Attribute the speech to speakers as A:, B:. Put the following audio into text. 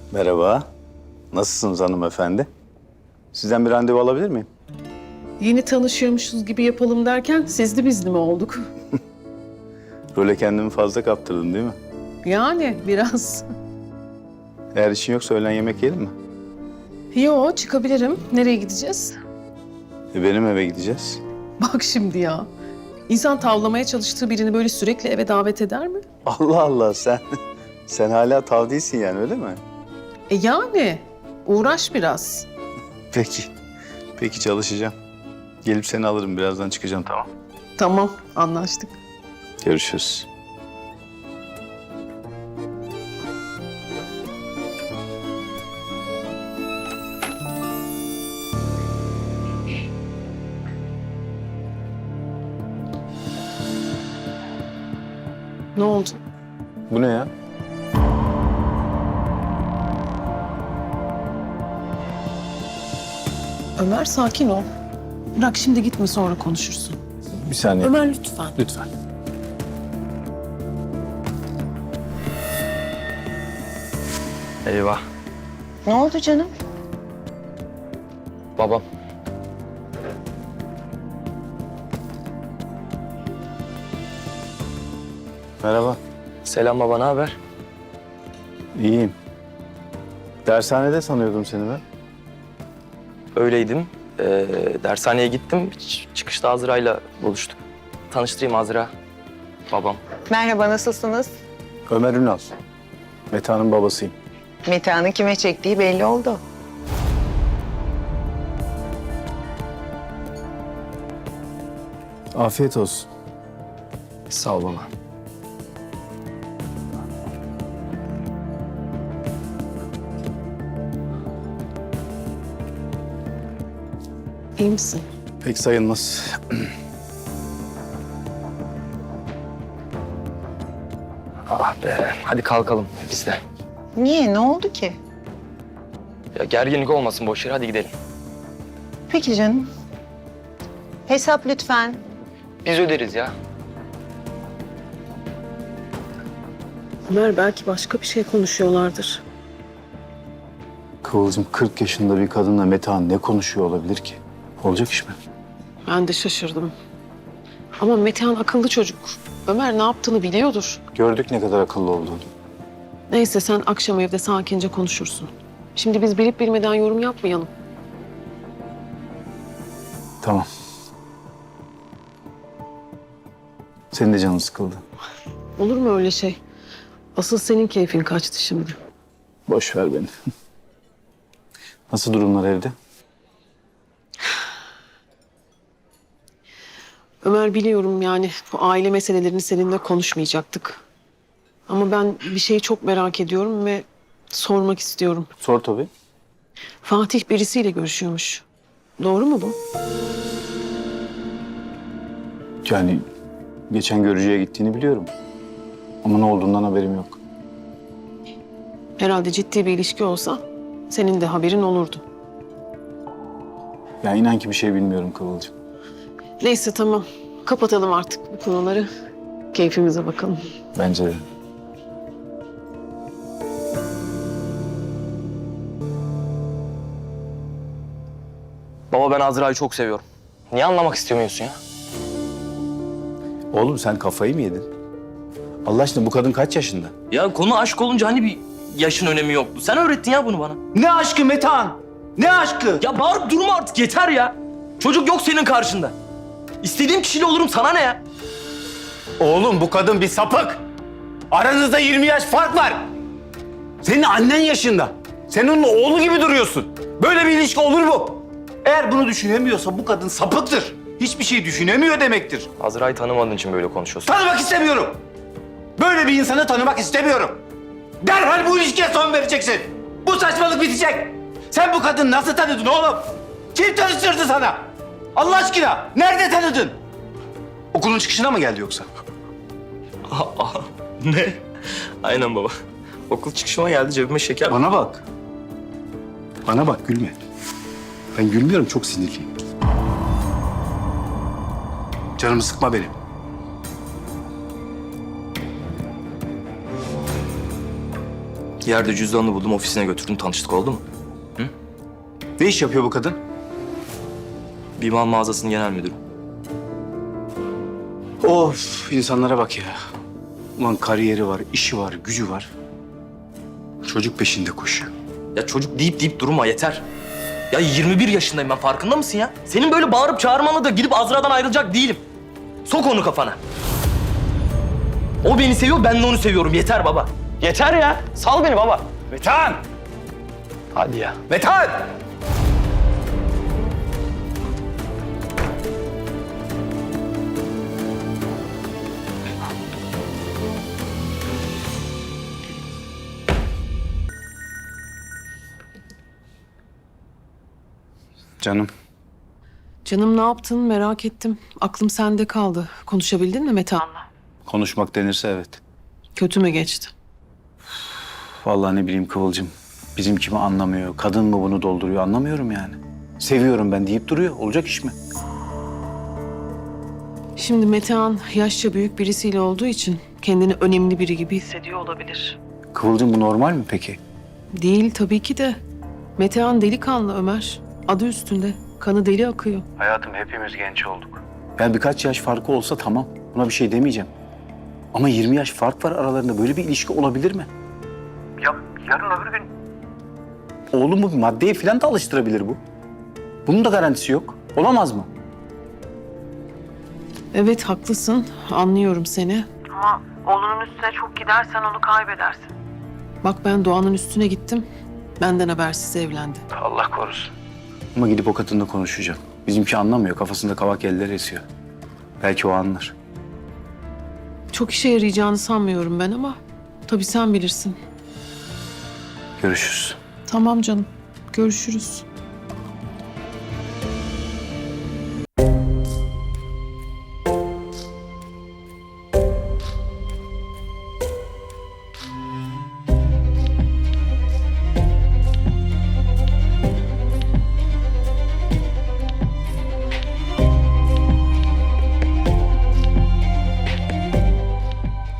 A: Merhaba. Nasılsınız hanımefendi? Sizden bir randevu alabilir miyim?
B: Yeni tanışıyormuşuz gibi yapalım derken sizli bizli mi olduk?
A: Role kendimi fazla kaptırdım değil mi?
B: Yani biraz.
A: Eğer işin yoksa öğlen yemek yiyelim mi?
B: Yo, çıkabilirim. Nereye gideceğiz?
A: Benim eve gideceğiz.
B: Bak şimdi ya. İnsan tavlamaya çalıştığı birini böyle sürekli eve davet eder mi?
A: Allah Allah sen hala tav değilsin yani öyle mi?
B: Yani uğraş biraz.
A: Peki. Peki çalışacağım. Gelip seni alırım birazdan çıkacağım tamam.
B: Tamam, anlaştık.
A: Görüşürüz.
B: Ne oldu?
A: Bu ne ya?
B: Ömer sakin ol. Bırak şimdi gitme sonra konuşursun.
A: Bir saniye.
B: Ömer lütfen.
A: Lütfen.
C: Eyvah.
D: Ne oldu canım?
C: Babam.
A: Merhaba.
C: Selam baba, ne haber?
A: İyiyim. Dershanede sanıyordum seni ben.
C: Öyleydim. Dershaneye gittim. Çıkışta Azra'yla buluştuk. Tanıştırayım Azra. Babam.
D: Merhaba, nasılsınız?
A: Ömer Ünal. Meta'nın babasıyım.
D: Metehan'ın kime çektiği belli oldu.
A: Afiyet olsun.
C: Sağ ol baba.
B: İyi misin?
A: Pek sayılmaz.
C: Ah be. Hadi kalkalım biz de.
D: Niye, ne oldu ki?
C: Ya gerginlik olmasın boş yere, hadi gidelim.
D: Peki canım. Hesap lütfen.
C: Biz öderiz ya.
B: Ömer belki başka bir şey konuşuyorlardır.
A: Kıvılcım 40 yaşında bir kadınla Metehan ne konuşuyor olabilir ki? Olacak iş mi?
B: Ben de şaşırdım. Ama Metehan akıllı çocuk. Ömer ne yaptığını biliyordur.
A: Gördük ne kadar akıllı olduğunu.
B: Neyse sen akşam evde sakince konuşursun. Şimdi biz bilip bilmeden yorum yapmayalım.
A: Tamam. Senin de canın sıkıldı.
B: Olur mu öyle şey? Asıl senin keyfin kaçtı şimdi.
A: Boş ver beni. Nasıl durumlar evde?
B: Ömer biliyorum yani bu aile meselelerini seninle konuşmayacaktık. Ama ben bir şeyi çok merak ediyorum ve sormak istiyorum.
A: Sor tabii.
B: Fatih birisiyle görüşüyormuş. Doğru mu bu?
A: Yani geçen görücüye gittiğini biliyorum. Ama ne olduğundan haberim yok.
B: Herhalde ciddi bir ilişki olsa senin de haberin olurdu.
A: Ya inan ki bir şey bilmiyorum Kıvılcım.
B: Neyse tamam. Kapatalım artık bu konuları. Keyfimize bakalım.
A: Bence de.
C: Baba ben Azra'yı çok seviyorum. Niye anlamak istemiyorsun ya?
A: Oğlum sen kafayı mı yedin? Allah aşkına bu kadın kaç yaşında?
C: Ya konu aşk olunca hani bir yaşın önemi yoktu. Sen öğrettin ya bunu bana.
A: Ne aşkı Metehan? Ne aşkı?
C: Ya bağırıp durma artık, yeter ya. Çocuk yok senin karşında. İstediğim kişiyle olurum, sana ne ya?
E: Oğlum bu kadın bir sapık. Aranızda 20 yaş fark var. Senin annen yaşında. Sen onun oğlu gibi duruyorsun. Böyle bir ilişki olur mu? Eğer bunu düşünemiyorsa bu kadın sapıktır. Hiçbir şey düşünemiyor demektir.
C: Azra'yı tanımadığın için böyle konuşuyorsun.
E: Tanımak istemiyorum. Böyle bir insanı tanımak istemiyorum. Derhal bu ilişkiye son vereceksin. Bu saçmalık bitecek. Sen bu kadını nasıl tanıdın oğlum? Kim tanıştırdı sana? Allah aşkına nerede tanıdın? Okulun çıkışına mı geldi yoksa?
C: Ne? Aynen baba. Okul çıkışıma geldi, cebime şeker.
E: Bana bak. Bana bak gülme. Ben gülmüyorum, çok sinirliyim. Canımı sıkma benim.
C: Yerde cüzdanını buldum, ofisine götürdüm, tanıştık, oldu mu?
A: Ne iş yapıyor bu kadın?
C: Bir mal mağazasının genel müdürü.
A: Of, insanlara bak ya. Ulan kariyeri var, işi var, gücü var. Çocuk peşinde koşuyor.
C: Ya çocuk deyip durma, yeter. Ya 21 yaşındayım ben, farkında mısın ya? Senin böyle bağırıp çağırmanla da gidip Azra'dan ayrılacak değilim. Sok onu kafana. O beni seviyor, ben de onu seviyorum. Yeter baba. Yeter ya. Sal beni baba.
E: Metehan!
C: Hadi ya.
E: Metehan!
A: Canım,
B: Canım ne yaptın merak ettim. Aklım sende kaldı. Konuşabildin mi Metehan'la?
A: konuşmak denirse evet.
B: Kötü mü geçti?
A: Vallahi ne bileyim Kıvılcım. Bizim kimi anlamıyor, kadın mı bunu dolduruyor anlamıyorum yani. Seviyorum ben deyip duruyor. Olacak iş mi?
B: Şimdi Metehan yaşça büyük birisiyle olduğu için kendini önemli biri gibi hissediyor olabilir.
A: Kıvılcım bu normal mi peki?
B: Değil tabii ki de. Metehan delikanlı Ömer. Adı üstünde. Kanı deli akıyor.
A: Hayatım hepimiz genç olduk. Ya birkaç yaş farkı olsa tamam. Buna bir şey demeyeceğim. Ama 20 yaş fark var aralarında. Böyle bir ilişki olabilir mi? Ya yarın öbür gün... Oğlumu bir maddeye falan da alıştırabilir bu. Bunun da garantisi yok. Olamaz mı?
B: Evet haklısın. Anlıyorum seni. Ama oğlunun üstüne çok gidersen onu kaybedersin. Bak ben Doğan'ın üstüne gittim. Benden habersiz evlendi.
A: Allah korusun. Ama gidip o kadınla konuşacağım. Bizimki anlamıyor. Kafasında kavak eller esiyor. Belki o anlar.
B: Çok işe yarayacağını sanmıyorum ben ama tabii sen bilirsin.
A: Görüşürüz.
B: Tamam canım. Görüşürüz.